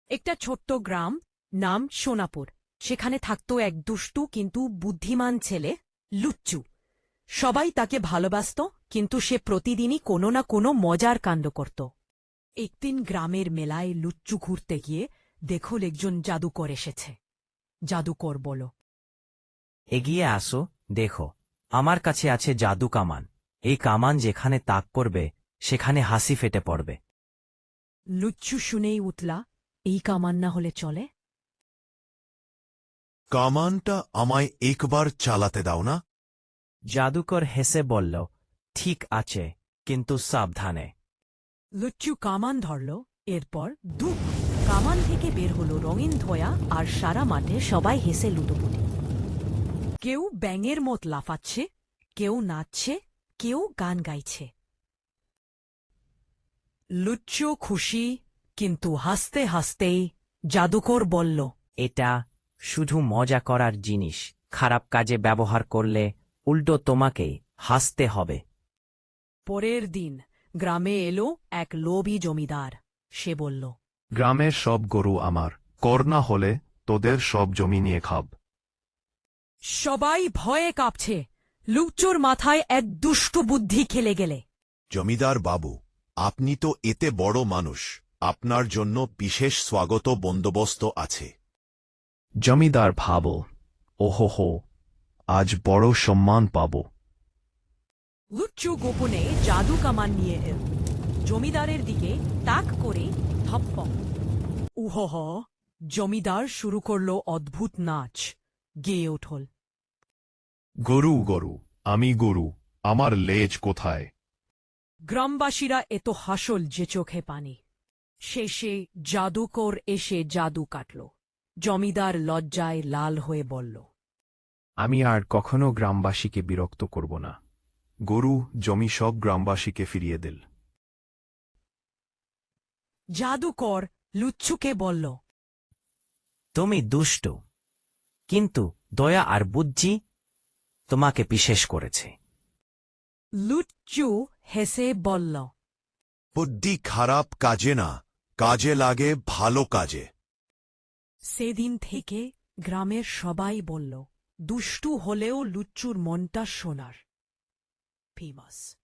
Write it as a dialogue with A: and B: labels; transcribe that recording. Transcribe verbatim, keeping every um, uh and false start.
A: একটা ছোট্ট গ্রাম, নাম সোনাপুর। সেখানে থাকত এক দুষ্টু কিন্তু বুদ্ধিমান ছেলে, লুচ্চু। সবাই তাকে ভালোবাসত, কিন্তু সে প্রতিদিনই কোনো না কোনো মজার কাণ্ড করত। একদিন গ্রামের মেলায় লুচ্চু ঘুরতে গিয়ে দেখল একজন জাদুকর এসেছে। জাদুকর বলল,
B: এগিয়ে আসো, দেখো, আমার কাছে আছে জাদু কামান। এই কামান যেখানে তাক করবে সেখানে হাসি ফেটে পড়বে।
A: লুচ্চু শুনেই উঠলা, এই কামান না হলে চলে?
C: কামানটা আমায় একবার চালাতে দাও না।
B: জাদুকর হেসে বলল, ঠিক আছে, কিন্তু সাবধানে।
A: লুচ্চু কামান ধরল। এরপর দু কামান থেকে বের হলো রঙিন ধোয়া, আর সারা মাঠে সবাই হেসে লুটোপুটি। কেউ ব্যাঙের মত লাফাচ্ছে, কেউ নাচছে, কেউ গান গাইছে। লুচ্চু খুশি, কিন্তু হাসতে হাসতেই জাদুকর বলল,
B: এটা শুধু মজা করার জিনিস। খারাপ কাজে ব্যবহার করলে উল্টো তোমাকেই হাসতে হবে।
A: পরের দিন গ্রামে এলো এক লোভী জমিদার। সে বলল,
D: গ্রামের সব গরু আমার, কর না হলে তোদের সব জমি নিয়ে খাব।
A: সবাই ভয়ে কাঁপছে। লুচ্চুর মাথায় এক দুষ্টু বুদ্ধি খেলে গেলে।
C: জমিদার বাবু, আপনি তো এতে বড় মানুষ, আপনার জন্য বিশেষ স্বাগত বন্দোবস্ত আছে।
D: জমিদার ভাব, ওহো হো, আজ বড় সম্মান পাব।
A: লুচ্চু গোপনে জাদু কামান নিয়ে এল। জমিদারের দিকে তাক করে ধপ্প। উহহ! জমিদার শুরু করল অদ্ভুত নাচ, গেয়ে উঠল।
D: গরু গরু, আমি গরু, আমার লেজ কোথায়?
A: গ্রামবাসীরা এত হাসল যে চোখে পানি। শেষে জাদুকর এসে জাদু কাটল। জমিদার লজ্জায় লাল হয়ে বলল,
D: আমি আর কখনো গ্রামবাসীকে বিরক্ত করব না। গরু জমি সব গ্রামবাসীকে ফিরিয়ে দিল।
A: জাদুকর লুচ্চুকে বলল,
B: তুমি দুষ্ট, কিন্তু দয়া আর বুদ্ধি তোমাকে বিশেষ করেছে।
A: লুচ্চু হেসে বলল,
C: বুদ্ধি খারাপ কাজে না, কাজে লাগে ভালো কাজে।
A: সেদিন থেকে গ্রামের সবাই বলল, দুষ্টু হলেও লুচ্চুর মনটা সোনার। ফেমাস।